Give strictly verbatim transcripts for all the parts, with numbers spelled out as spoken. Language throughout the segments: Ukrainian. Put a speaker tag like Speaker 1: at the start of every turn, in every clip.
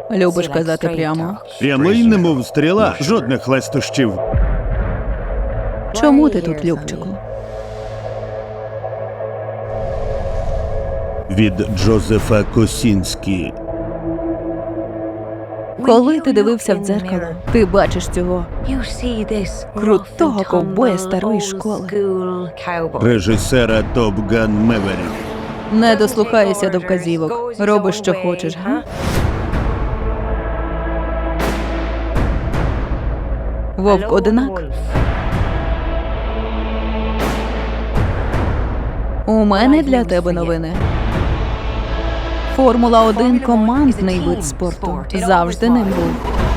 Speaker 1: Любиш казати прямо.
Speaker 2: Прямий, немов стріла, жодних лестощів.
Speaker 1: Чому ти тут, Любчику?
Speaker 2: Від Джозефа Косінські.
Speaker 1: Коли ти дивився в дзеркало, ти бачиш цього крутого ковбоя старої школи.
Speaker 2: Режисера Топ Ган Меверік.
Speaker 1: Не дослухайся до вказівок. Робиш, що хочеш, га? Вовк одинак. У мене для тебе новини. Формула один – командний вид спорту. Завжди ним був.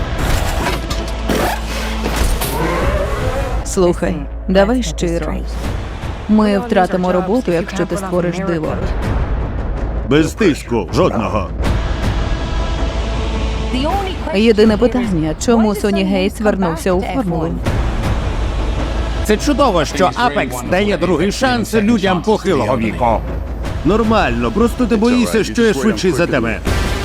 Speaker 1: Слухай, давай щиро. Ми втратимо роботу, якщо ти створиш диво.
Speaker 2: Без тиску, жодного.
Speaker 1: Єдине питання, чому Соні Гейтс вернувся у формулу?
Speaker 3: Це чудово, що Apex дає другий шанс людям похилого віку.
Speaker 2: Нормально, просто ти боїшся, що я швидший за тебе.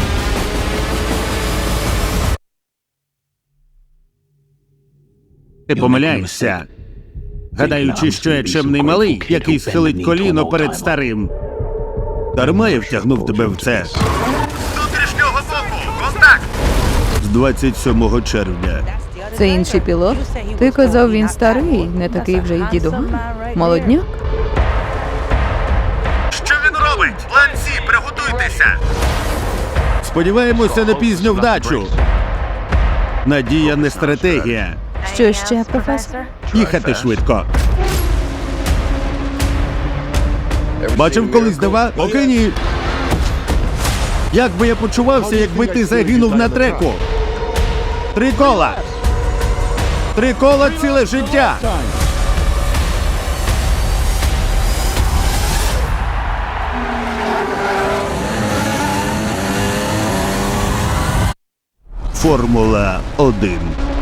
Speaker 2: Ти помиляєшся, гадаючи, що я чемний малий, який схилить коліно перед старим. Дарма я втягнув тебе в це. З внутрішнього боку! Контакт! З двадцять сьомого червня.
Speaker 1: Це інший пілот? Ти казав, він старий, не такий вже й дідуган. Молодняк?
Speaker 2: Що він робить? План Сі, приготуйтеся! Сподіваємося на пізню вдачу. Надія не стратегія.
Speaker 1: Що ще, професор?
Speaker 2: Їхати швидко. Бачив колись дива? Поки ні. Як би я почувався, якби ти загинув на треку? Три кола. Три кола ціле життя. Формула один.